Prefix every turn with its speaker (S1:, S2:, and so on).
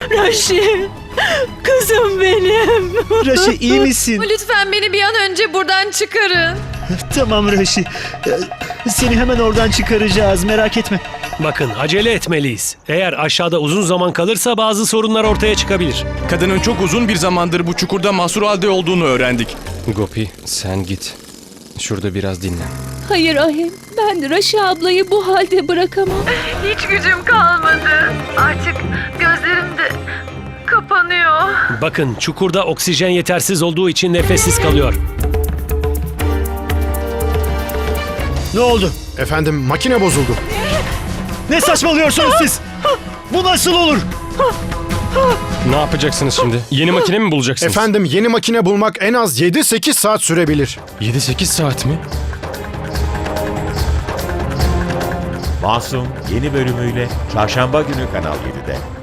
S1: Raşi, kızım benim.
S2: Raşi iyi misin?
S3: Lütfen beni bir an önce buradan çıkarın.
S2: Tamam Raşi. Seni hemen oradan çıkaracağız, merak etme.
S4: Bakın acele etmeliyiz. Eğer aşağıda uzun zaman kalırsa bazı sorunlar ortaya çıkabilir.
S5: Kadının çok uzun bir zamandır bu çukurda mahsur halde olduğunu öğrendik.
S6: Gopi sen git. Şurada biraz dinlen.
S1: Hayır Ahim, ben Raşi ablayı bu halde bırakamam.
S3: Hiç gücüm kalmadı. Artık gözlerim de kapanıyor.
S4: Bakın çukurda oksijen yetersiz olduğu için nefessiz kalıyor.
S2: Ne oldu?
S7: Efendim makine bozuldu.
S2: Ne saçmalıyorsunuz siz? Bu nasıl olur?
S6: Ne yapacaksınız şimdi? Yeni makine mi bulacaksınız?
S7: Efendim yeni makine bulmak en az 7-8 saat sürebilir.
S6: 7-8 saat mi?
S8: Masum yeni bölümüyle Çarşamba günü Kanal 7'de.